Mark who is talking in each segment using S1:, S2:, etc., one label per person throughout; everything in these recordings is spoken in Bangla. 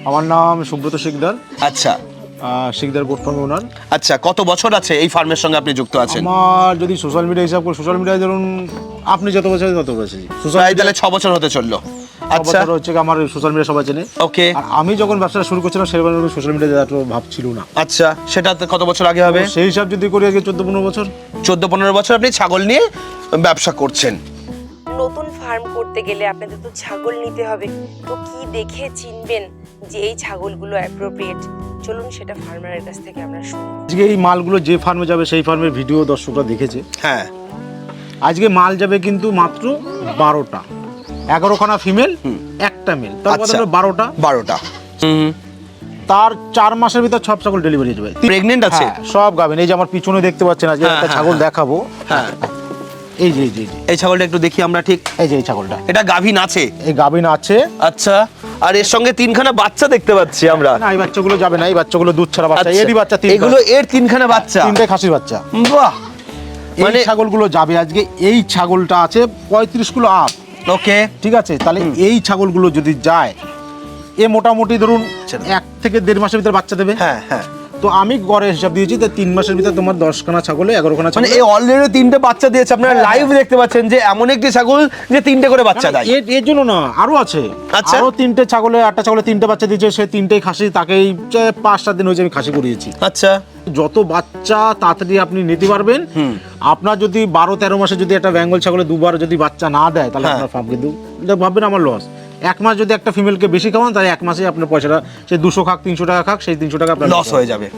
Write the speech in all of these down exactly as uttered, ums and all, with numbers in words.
S1: আমার নাম সুব্রত শিকদার।
S2: আচ্ছা,
S1: শিকদার গোট ফার্ম ওনার।
S2: আচ্ছা, কত বছর আছে এই ফার্মের সঙ্গে আপনি যুক্ত আছেন?
S1: আমার যদি সোশ্যাল মিডিয়া হিসাব করি, সোশ্যাল মিডিয়ায় ধরুন আপনি যত বছর তত বছর
S2: প্রায় তাহলে ছ বছর হতে চললো। আচ্ছা,
S1: হচ্ছে আমার সোশ্যাল মিডিয়া সবাই চেনে।
S2: ওকে।
S1: আর আমি যখন ব্যবসাটা শুরু করছিলাম সেরকম সোশ্যাল মিডিয়াতে এত ভাব ছিল না।
S2: আচ্ছা, সেটা কত বছর আগে হবে?
S1: সেই হিসাব যদি করি আগে চোদ্দ পনেরো বছর।
S2: চোদ্দ পনেরো বছর আপনি ছাগল নিয়ে ব্যবসা করছেন।
S3: নতুন ফার্ম করতে গেলে আপনাদের তো ছাগল নিতে হবে, তো কি দেখে চিনবেন যে এই ছাগলগুলো অ্যাপ্রোপ্রিয়েট? চলুন সেটা ফার্মারের কাছ থেকে আমরা শুনি।
S1: আজকে এই মালগুলো যে ফার্মে যাবে সেই ফার্মের ভিডিও দর্শকরা দেখেছে।
S2: হ্যাঁ,
S1: আজকে মাল যাবে কিন্তু মাত্র বারোটা, এগারোখানা ফিমেল, একটা মেল, তার কথা হলো বারোটা।
S2: বারোটা হুম
S1: তার চার মাসের ভিতর সব ছাগল ডেলিভারি হয়ে যাবে।
S2: প্রেগনেন্ট আছে?
S1: হ্যাঁ, সব গাবেন। এই যে আমার পিছনে দেখতে পাচ্ছেন, আজকে
S2: হ্যাঁ,
S1: একটা
S2: হ্যাঁ,
S1: ছাগল
S2: হ্যাঁ।
S1: দেখাবো।
S2: হ্যাঁ,
S1: এই যে এই যে এই যে।
S2: এই ছাগলটা একটু দেখি আমরা। ঠিক
S1: এই যে এই ছাগলটা,
S2: এটা গাভীন আছে?
S1: এই গাবিন আছে।
S2: আচ্ছা, আর এর সঙ্গে তিনখানা বাচ্চা দেখতে পাচ্ছি আমরা।
S1: না, এই বাচ্চাগুলো যাবে না, এই বাচ্চাগুলো দুধ ছাড়া বাচ্চা।
S2: আচ্ছা,
S1: এরই বাচ্চা তিন,
S2: এগুলো এর তিনখানা বাচ্চা?
S1: তিনটে খাসির বাচ্চা।
S2: বাহ,
S1: মানে
S2: মানে
S1: ছাগলগুলো যাবে আজকে। এই ছাগলটা আছে পঁয়ত্রিশ কিলো আপ।
S2: ওকে,
S1: ঠিক আছে, তাহলে এই ছাগলগুলো যদি যায়, এ মোটামুটি ধরুন এক থেকে দেড় মাসের ভিতরে বাচ্চা দেবে।
S2: হ্যাঁ হ্যাঁ।
S1: তো আমি গড়ে হিসাব দিয়েছি যে তিন মাসের ভিতরে তোমার দশখানা ছাগলে এগারোখানা
S2: মানে
S1: ছাগলে।
S2: এই অলরেডি তিনটে বাচ্চা দিয়েছে। আপনারা
S1: হ্যাঁ,
S2: লাইভ দেখতে পাচ্ছেন যে এমন একটি ছাগল যে তিনটে করে বাচ্চা দেয়।
S1: এর এর জন্য না, আরো আছে।
S2: আচ্ছা।
S1: আরো তিনটে ছাগলে, আটটা ছাগলে তিনটে বাচ্চা দিয়েছে। সে তিনটেই খাসি, তাকেই যে পাঁচ সাত দিন হয়েছে আমি খাসি করিয়েছি।
S2: আচ্ছা,
S1: যত বাচ্চা তাড়াতাড়ি আপনি নিতে পারবেন। আপনার যদি বারো তেরো মাসে যদি একটা বেঙ্গল ছাগলে দুবার যদি বাচ্চা না দেয়, তাহলে
S2: হ্যাঁ।
S1: আপনার ফার্ম কিন্তু এটা ভাববেন আমার লস। এক মাস যদি একটা ফিমেলকে বেশি খাওয়ান, তাহলে এক মাসে আপনার পয়সাটা সে দুশো খাক, তিনশো টাকা খাক, সেই তিনশো টাকা আপনার
S2: লস হয়ে যাবে।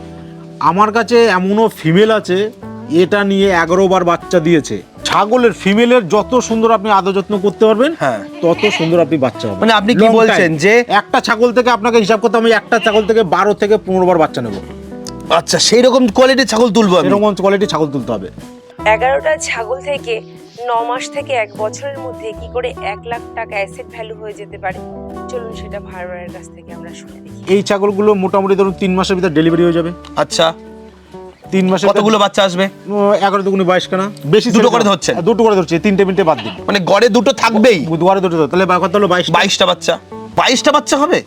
S1: আমার কাছে এমনও ফিমেল আছে এটা নিয়ে এগারো বার বাচ্চা দিয়েছে। ছাগলের ফিমেলের যত সুন্দর আপনি আদর যত্ন করতে পারবেন,
S2: হ্যাঁ,
S1: তত সুন্দর আপনি বাচ্চা হবে।
S2: মানে আপনি কি
S1: Long
S2: বলছেন
S1: time।
S2: যে
S1: একটা ছাগল থেকে আপনাকে হিসাব করতে, আমি একটা ছাগল থেকে বারো থেকে পনেরো বার বাচ্চা নেবো।
S2: আচ্ছা, সেই রকম কোয়ালিটির ছাগল তুলবো আমি?
S1: এরকম কোয়ালিটি ছাগল তুলতে হবে।
S3: এগারোটা ছাগল থেকে ন মাস থেকে এক বছরের মধ্যে কি করে এক লাখ টাকা অ্যাসেট ভ্যালু হয়ে যেতে পারে? চলুন সেটা ফার্মারের কাছ থেকে আমরা শুনে দেখি।
S1: এই ছাগলগুলো মোটামুটি ধরুন তিন মাসের ভিতর ডেলিভারি হয়ে যাবে।
S2: আচ্ছা,
S1: তিন মাসে
S2: কতগুলো বাচ্চা আসবে?
S1: এগারো দুগুনি বাইশ খানা। বেশি
S2: দুটো করে ধরছেন?
S1: দুটো করে ধরছি, তিনটে মিনিটে বাদ দিন।
S2: মানে গড়ে দুটো থাকবেই?
S1: দুয়ারে দুটো ধর, তাহলে কত হলো? বাইশ।
S2: বাইশটা বাচ্চা? বাইশটা বাচ্চা হবে?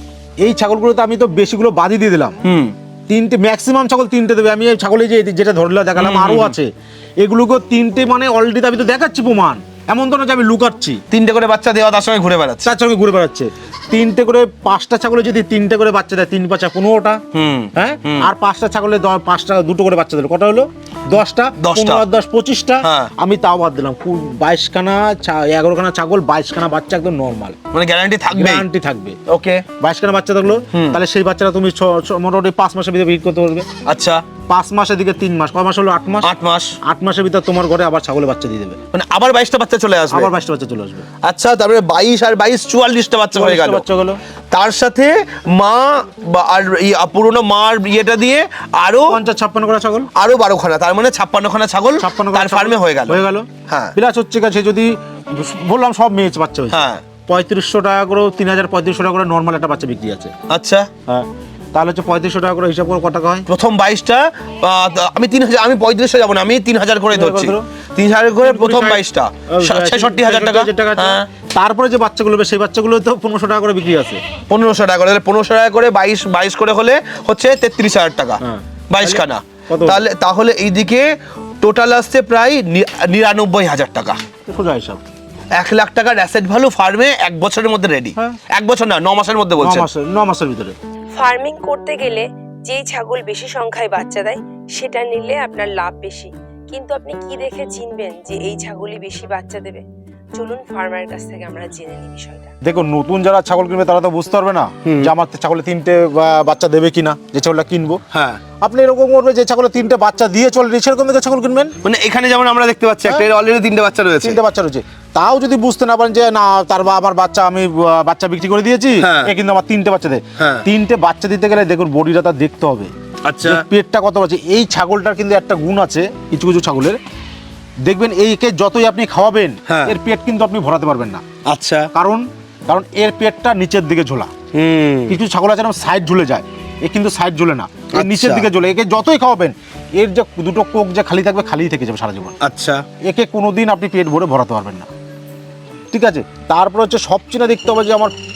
S1: এই ছাগলগুলোতে আমি তো বেশিগুলো বাদই দিয়ে দিলাম।
S2: হুম,
S1: তিনটে ম্যাক্সিমাম ছাগল তিনটে দেবে। আমি এই ছাগলে যে যেটা ধরলে দেখালাম, আরো আছে এগুলোকে তিনটে, মানে অলরেডি আমি তো দেখাচ্ছি প্রমাণ। এমন তো না যে আমি লুকাচ্ছি।
S2: তিনটে করে বাচ্চা দেওয়া, তার সঙ্গে ঘুরে বেড়াচ্ছে।
S1: তার সঙ্গে ঘুরে বেড়াচ্ছে। তিনটে করে, পাঁচটা ছাগলে যদি তিনটে করে বাচ্চা দেয়, তিন পাঁচা পনেরোটা।
S2: হুম,
S1: হ্যাঁ, আর পাঁচটা ছাগলে দ- পাঁচটা দুটো করে বাচ্চা দিল, কটা হলো? দশটা।
S2: দশটা।
S1: পনেরো আর দশ পঁচিশটা।
S2: হ্যাঁ।
S1: আমি তাও বাদ দিলাম। বাইশখানা, এগারোখানা ছাগল, বাইশখানা বাচ্চা একদম নর্মাল,
S2: মানে গ্যারান্টি থাকবে?
S1: গ্যারান্টি থাকবে।
S2: ওকে,
S1: বাইশখানা বাচ্চা থাকলো, তাহলে সেই বাচ্চাটা তুমি ছ- ছ- মোটামুটি পাঁচ মাসের ভিতরে বিক্রি করতে পারবে।
S2: আচ্ছা,
S1: পাঁচ মাসের দিকে তিন মাস, কয় মাস হলো? আট মাস।
S2: আট মাস।
S1: আট মাসের ভিতরে তোমার ঘরে আবার ছাগলের বাচ্চা দিয়ে দেবে।
S2: মানে আবার বাইশটা বাচ্চা চলে আসবে?
S1: আবার বাইশটা বাচ্চা চলে আসবে।
S2: আচ্ছা, তারপরে বাইশ আর বাইশ চুয়াল্লিশটা বাচ্চা হয়ে গেল।
S1: বাচ্চা গেলো।
S2: তার সাথে মা বা আর এই পুরোনো মার ইয়েটা দিয়ে আরো
S1: পঞ্চাশ ছাপ্পান্ন করে ছাগল,
S2: আরো বারো খানা, তার মানে ছাপ্পান্ন খানা ছাগল
S1: ছাপ্পান্ন
S2: তার ফার্মে হয়ে গেল।
S1: হয়ে গেল।
S2: হ্যাঁ,
S1: প্লাস হচ্ছে কাছে যদি বললাম সব মেয়ে বাচ্চা হয়েছে,
S2: হ্যাঁ,
S1: পঁয়ত্রিশশো টাকা করে, তিন হাজার পঁয়ত্রিশশো টাকা করে নর্মাল একটা বাচ্চা বিক্রি আছে।
S2: আচ্ছা,
S1: হ্যাঁ, তাহলে হচ্ছে পঁয়ত্রিশশো টাকা করে হিসাব করে কত টাকা হয়?
S2: প্রথম বাইশটা আহ, আমি তিন হাজার, আমি পঁয়ত্রিশশো যাবো না, আমি তিন হাজার করে ধরছি।
S1: ধরো।
S2: তিন হাজার করে প্রথম বাইশটা, ছেষট্টি হাজার টাকা। হ্যাঁ,
S1: তারপরে যে বাচ্চাগুলো হবে সেই বাচ্চাগুলো তো পনেরোশো টাকা করে বিক্রি আছে।
S2: পনেরোশো টাকা করে, পনেরোশো টাকা করে বাইশ বাইশ করে হলে হচ্ছে তেত্রিশ হাজার টাকা।
S1: হ্যাঁ।
S2: বাইশ খানা।
S1: কত?
S2: তাহলে তাহলে এইদিকে টোটাল আসছে প্রায় নি- নিরানব্বই হাজার টাকা।
S1: সোজা হিসাব।
S2: এক লাখ টাকার অ্যাসেট ভ্যালু ফার্মে এক বছরের মধ্যে রেডি।
S1: হ্যাঁ।
S2: এক বছর না, ন মাসের মধ্যে
S1: ন
S2: বলছেন?
S1: মাসের ন মাসের ভিতরে।
S3: ফার্মিং করতে গেলে যেই ছাগল বেশি সংখ্যায় বাচ্চা দেয় সেটা নিলে আপনার লাভ বেশি, কিন্তু আপনি কি দেখে চিনবেন যে এই ছাগলই বেশি বাচ্চা দেবে? চলুন ফার্মারের কাছ থেকে আমরা জেনে নিই বিষয়টা।
S1: দেখো, নতুন যারা ছাগল কিনবে তারা তো বুঝতে পারবে না যে আমার ছাগলে তিনটে বা- বাচ্চা দেবে কিনা, যে ছাগলটা কিনবো।
S2: হ্যাঁ,
S1: আপনি এরকম করবে যে ছাগলে তিনটে বাচ্চা দিয়ে চলে, সেরকম দেখে ছাগল কিনবেন।
S2: মানে এখানে যেমন আমরা দেখতে পাচ্ছি একটা অলরেডি তিনটে বাচ্চা রয়েছে।
S1: তিনটে বাচ্চা রয়েছে, তাও যদি বুঝতে না পারেন যে না তার বা আমার বাচ্চা আমি আহ, বাচ্চা বিক্রি করে দিয়েছি,
S2: হ্যাঁ।
S1: এ কিন্তু আমার তিনটে বাচ্চা দেয়।
S2: হ্যাঁ।
S1: তিনটে বাচ্চা দিতে গেলে দেখুন বডিটা তার দেখতে হবে,
S2: আচ্ছা,
S1: যে পেটটা কত আছে। এই ছাগলটার কিন্তু একটা গুণ আছে কিছু কিছু ছাগলের, দেখবেন এইকে যতই আপনি খাওয়াবেন,
S2: হ্যাঁ।
S1: এর পেট কিন্তু আপনি ভরাতে পারবেন না।
S2: আচ্ছা,
S1: কারণ কারণ এর পেটটা নিচের দিকে ঝোলা।
S2: হুম,
S1: কিছু ছাগল আছে সাইড ঝুলে যায়, এ কিন্তু সাইড ঝুলে না, এর
S2: আচ্ছা।
S1: নিচের দিকে ঝুলে। একে যতই খাওয়াবেন এর যে দুটো কোক যে খালি থাকবে, খালি থেকে যাবে সারা জীবন।
S2: আচ্ছা,
S1: একে কোনোদিন আপনি পেট ভরে ভরাতে পারবেন না। ঠিক আছে, তারপর হচ্ছে সবচেয়ে দেখতে হবে যে আমার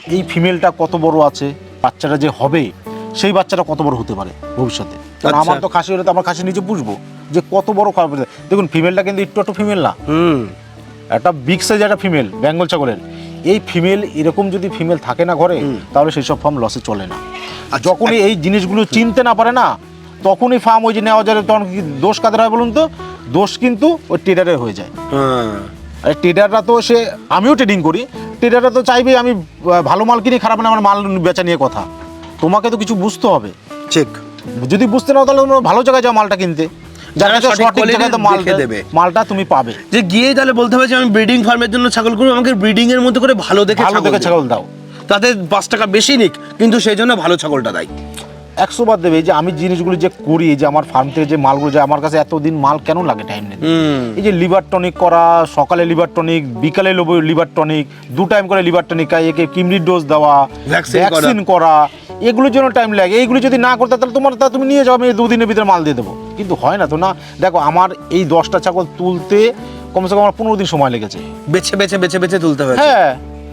S1: এই ফিমেলটা কত বড় আছে, বাচ্চাটা যে হবে সেই বাচ্চাটা কত বড় হতে পারে ভবিষ্যতে। কারণ
S2: আচ্ছা।
S1: আমার তো খাসি হলে তো আমার খাসি নিচে পুষবো, যে কত বড় খারাপ। দেখুন ফিমেলটা কিন্তু একটু একটু ফিমেল না,
S2: হুম
S1: একটা বিগ সাইজ একটা ফিমেল বেঙ্গল ছাগলের। এই ফিমেল এরকম যদি ফিমেল থাকে না ঘরে, তাহলে সেই সব ফার্ম লসে চলে না। আর যখনই এই জিনিসগুলো চিনতে না পারে না, তখনই ফার্ম ওই যে নেওয়া যায়। তখন কি দোষ কাদের হয় বলুন তো? দোষ কিন্তু ওই ট্রেডারের হয়ে যায়।
S2: হ্যাঁ
S1: আর ট্রেডাররা তো সে, আমিও ট্রেডিং করি, ট্রেডাররা তো চাইবে আমি আহ, ভালো মাল কিনি, খারাপ না আমার মাল বেচা নিয়ে কথা। তোমাকে তো কিছু বুঝতে হবে।
S2: ঠিক।
S1: যদি বুঝতে নাও তাহলে তোমরা ভালো জায়গায় যাও মালটা কিনতে,
S2: যারা
S1: যারা
S2: সঠিক
S1: সঠিক জায়গায় তো
S2: quality
S1: মালটা
S2: দেখে দেবে।
S1: মালটা তুমি পাবে।
S2: যে গিয়ে তাহলে বলতে হবে যে আমি ব্রিডিং ফার্মের জন্য ছাগল করবো, আমাকে ব্রিডিং এর মধ্যে করে ভালো দেখে
S1: ভালো দেখে ছাগল দাও।
S2: তাতে পাঁচ টাকা বেশি নিক, কিন্তু সেই জন্য ভালো ছাগলটা দেয়।
S1: একশো বার দেবে। এই যে আমি জিনিসগুলো যে করি, যে আমার ফার্ম থেকে যে মালগুলো যায় আমার কাছে, এতদিন মাল কেন লাগে টাইম নেই। এই যে লিভার টনিক করা, সকালে লিভার টনিক, বিকালে লিভার টনিক, দু টাইম করে লিভার টনিক, একে কিমরির ডোজ দেওয়া,
S2: Vaccine করা।
S1: ভ্যাকসিন করা, এগুলোর জন্য টাইম লাগে। এইগুলো যদি না করতে তাহলে তোমার তা তুমি নিয়ে যাও, আমি দুদিনের ভিতরে মাল দিয়ে দেবো। কিন্তু হয় না তো না। দেখো আমার এই দশটা ছাগল তুলতে কমসে কম আমার পনেরো দিন সময় লেগেছে।
S2: বেছে বেছে বেছে বেছে তুলতে হবে।
S1: হ্যাঁ,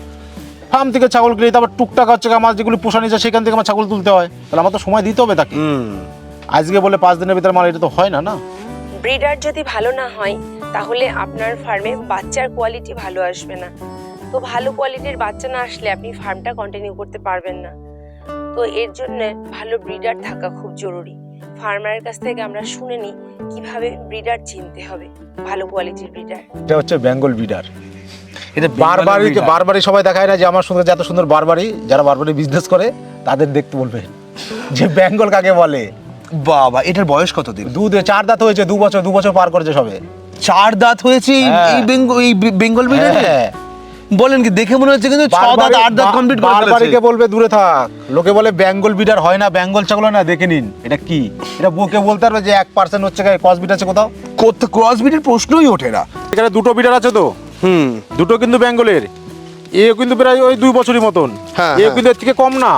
S1: ফার্ম থেকে ছাগল কিনে তারপর টুকটাক হচ্ছে আমার যেগুলো পোষানি যায় সেখান থেকে আমার ছাগল তুলতে হয়, তাহলে আমার তো সময় দিতে হবে তাকে।
S2: হুম
S1: আজকে বলে পাঁচ দিনের ভিতরে মাল, এটা তো হয় না না।
S3: ব্রিডার যদি ভালো না হয় তাহলে আপনার ফার্মে বাচ্চার কোয়ালিটি ভালো আসবে না। তো ভালো কোয়ালিটির বাচ্চা না আসলে আপনি ফার্মটা কন্টিনিউ করতে পারবেন না। তো এর জন্য ভালো ব্রিডার থাকা খুব জরুরি। ফার্মারের কাছ থেকে আমরা শুনে নিই কিভাবে ব্রিডার চিনতে হবে, ভালো কোয়ালিটির ব্রিডার।
S1: এটা হচ্ছে বেঙ্গল বিডার।
S2: এটা
S1: বারবারই বারবারই সবাই দেখায় না যে আমার সঙ্গে এত সুন্দর বারবারই, যারা বারবারই বিজনেস করে তাদের দেখতে বলবে যে বেঙ্গল কাকে বলে।
S2: বাবা, এটার বয়স কত দিন?
S1: দুধে চার দাঁত হয়েছে, দু বছর দু বছর পার করেছে সবে।
S2: চার দাঁত হয়েছে এই-
S1: হ্যাঁ।
S2: এই বেঙ্গল এই বেঙ্গল ব্রিডার।
S1: হ্যাঁ।
S2: বলেন কি, দেখে মনে হচ্ছে কিন্তু ছ দাঁত আট দাঁত কমপ্লিট করে ফেলেছে।
S1: বারবারিকে বলবে দূরে থাক। লোকে বলে বেঙ্গল বিডার হয় না, বেঙ্গল ছাগল হয় না, দেখে নিন এটা কি। এটা বকে বলতে পারবে যে এক পার্সেন্ট হচ্ছে ক্রস বিড আছে কোথাও।
S2: কোথা ক্রস ব্রিডের প্রশ্নই ওঠে না।
S1: এখানে দুটো বিডার আছে তো,
S2: হুম
S1: দুটো কিন্তু বেঙ্গলের। এ কিন্তু প্রায় ওই দুই বছরই মতন,
S2: হ্যাঁ,
S1: এ
S2: হ্যাঁ।
S1: কিন্তু এর থেকে কম না।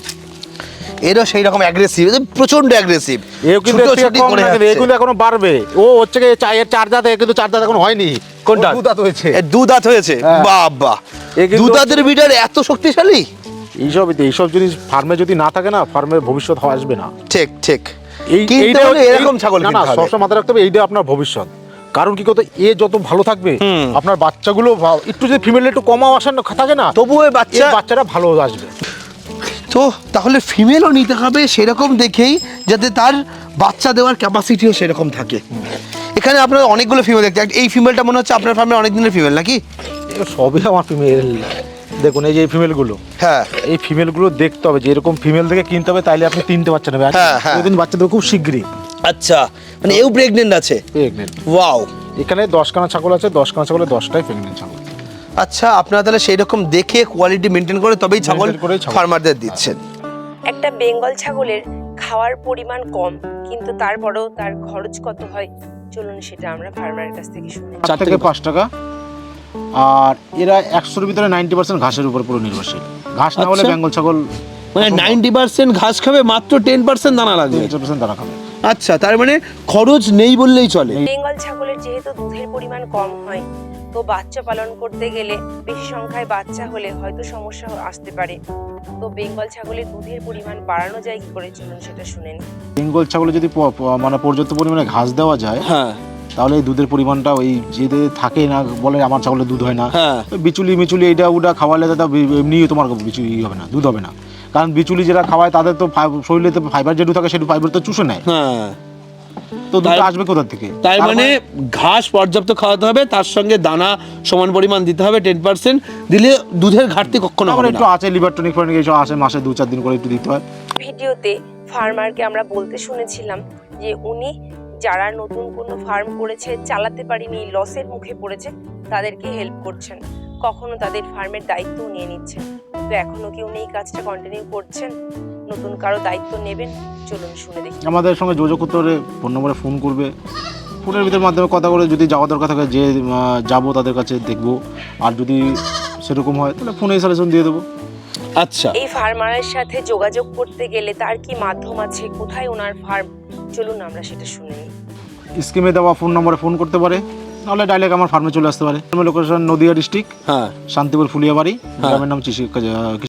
S2: এরও সেই রকম অ্যাগ্রেসিভ, প্রচন্ড অ্যাগ্রেসিভ।
S1: এও কিন্তু এর থেকে কম না, কিন্তু এ কিন্তু এখনো বাড়বে। ও হচ্ছে কি চায়ের চার দাঁত, এ কিন্তু চার দাঁত এখন হয়নি।
S2: কোনটা?
S1: ও দু দাঁত হয়েছে।
S2: দু দাঁত হয়েছে।
S1: হ্যাঁ।
S2: বাবা,
S1: এ কিন্তু
S2: দু দাঁতের ব্রিডার এত শক্তিশালী।
S1: এইসব এইসব জিনিস ফার্মে যদি না থাকে না, ফার্মের ভবিষ্যৎ হওয়া আসবে না।
S2: ঠিক ঠিক।
S1: এই
S2: কিনতে
S1: এইটা
S2: হলে এরকম ছাগল
S1: না না,
S2: কিনতে হবে।
S1: সবসময় মাথায় রাখতে হবে এইটা আপনার ভবিষ্যৎ। কারণ কি করতে, এ যত ভালো থাকবে আপনার বাচ্চাগুলো ভা- একটু যদি ফিমেল একটু কমাও আসেন না থাকে না,
S2: তবুও এই বাচ্চা
S1: এর বাচ্চারা ভালো আসবে।
S2: তো তাহলে ফিমেলও নিতে হবে সেরকম দেখেই, যাতে তার বাচ্চা দেওয়ার ক্যাপাসিটিও সেরকম থাকে। এখানে আপনার অনেকগুলো ফিমেল দেখতে, এই ফিমেলটা মনে হচ্ছে আপনার ফার্মে অনেক দিনের ফিমেল নাকি?
S1: এ সবই আমার ফিমেল। দেখুন এই যে এই ফিমেলগুলো,
S2: হ্যাঁ
S1: এই ফিমেলগুলো দেখতে হবে যে এরকম ফিমেল থেকে কিনতে হবে, তাইলে আপনি তিনটে বাচ্চা নেবেন।
S2: হ্যাঁ, হ্যাঁ।
S1: ওই দিন বাচ্চা দেবে খুব শীঘ্রই।
S2: আচ্ছা, মানে এও প্রেগনেন্ট আছে?
S1: প্রেগনেন্ট।
S2: ওয়াও।
S1: এখানে দশখানা ছাগল আছে, দশখানা ছাগলে দশটাই প্রেগনেন্ট ছাগল।
S2: আচ্ছা, আপনারা তাহলে সেই রকম দেখে কোয়ালিটি মেনটেন করে তবেই ছাগল
S1: Maintain করেই ছাগল।
S2: ফার্মারদের দিচ্ছেন।
S3: একটা বেঙ্গল ছাগলের খাওয়ার পরিমাণ কম, কিন্তু তারপরেও তার খরচ কত হয় চলুন সেটা আমরা ফার্মারের কাছ থেকে শুনি।
S1: চার থেকে পাঁচ টাকা। আর এরা একশোর ভিতরে নাইনটি পার্সেন্ট ঘাসের উপর পুরো নির্ভরশীল। ঘাস না হলে
S2: আচ্ছা।
S1: বেঙ্গল ছাগল
S2: মানে নাইনটি পার্সেন্ট ঘাস খাবে, মাত্র টেন পার্সেন্ট দানা লাগবে।
S1: একশো পার্সেন্ট দানা খাবে।
S2: আচ্ছা, তার মানে খরচ নেই বললেই চলে।
S3: বেঙ্গল ছাগলের যেহেতু দুধের পরিমাণ কম হয়, তো বাচ্চা পালন করতে গেলে বেশি সংখ্যায় বাচ্চা হলে হয়তো সমস্যা আসতে পারে। তো বেঙ্গল ছাগলের দুধের পরিমাণ বাড়ানো যায় কি করে চলুন সেটা শুনে নিই।
S1: বেঙ্গল ছাগলে যদি প- প- মানে পর্যাপ্ত পরিমাণে ঘাস দেওয়া যায়,
S2: হ্যাঁ
S1: তাহলে এই দুধের পরিমাণটা ওই যে থাকে না, বলে আমার ছাগলের দুধ হয় না,
S2: হ্যাঁ।
S1: ওই বিচুলি মিচুলি এইটা ওটা খাওয়ালে তো এমনি তোমার বিচুলি হবে না, দুধ হবে না। কারণ বিচুলি যারা খাওয়ায় তাদের তো ফাই- শরীরে তো ফাইবার যেটু থাকে সেটু ফাইবার তো চুষে নেয়,
S2: হ্যাঁ।
S1: তো দুধটা
S2: তার-
S1: আসবে কোথা থেকে?
S2: তার মানে ঘাস পর্যাপ্ত খাওয়াতে হবে, তার সঙ্গে দানা সমান পরিমাণ দিতে হবে, টেন পার্সেন্ট দিলে দুধের ঘাটতি কখনো
S1: আমার
S2: হবে
S1: একটু
S2: না।
S1: আছে লিভার টনিক ফনিক এইসব আসে, মাসে দু চার দিন করে একটু দিতে হয়।
S3: ভিডিওতে ফার্মারকে আমরা বলতে শুনেছিলাম যে উনি যারা নতুন কোনো ফার্ম করেছে, চালাতে পারেনি, লসের মুখে পড়েছে, তাদেরকে হেল্প করছেন, কখনো তাদের ফার্মের দায়িত্বও নিয়ে নিচ্ছেন। তো এখনো কি উনি এই কাজটা কন্টিনিউ করছেন? নতুন কারো দায়িত্ব নেবেন? চলুন শুনে দেখি।
S1: আমাদের সঙ্গে যোগাযোগ করতে হলে ফোন নম্বরে ফোন করবে, ফোনের ভিতর মাধ্যমে কথা বলে যদি যাওয়া দরকার থাকে যে আহ, যাবো তাদের কাছে দেখবো, আর যদি সেরকম হয় তাহলে ফোনে সাজেশন দিয়ে দেবো।
S2: আচ্ছা,
S3: এই ফার্মারের সাথে যোগাযোগ করতে গেলে তার কি মাধ্যম আছে, কোথায় ওনার ফার্ম, চলুন আমরা সেটা শুনে নিই।
S1: স্কিমে দেওয়া ফোন নম্বরে ফোন করতে পারে, নাহলে ডাইরেক্ট আমার ফার্মে চলে আসতে পারে। লোকেশন নদিয়া ডিস্ট্রিক্ট,
S2: হ্যাঁ
S1: শান্তিপুর ফুলিয়াবাড়ি, গ্রামের নাম চিশি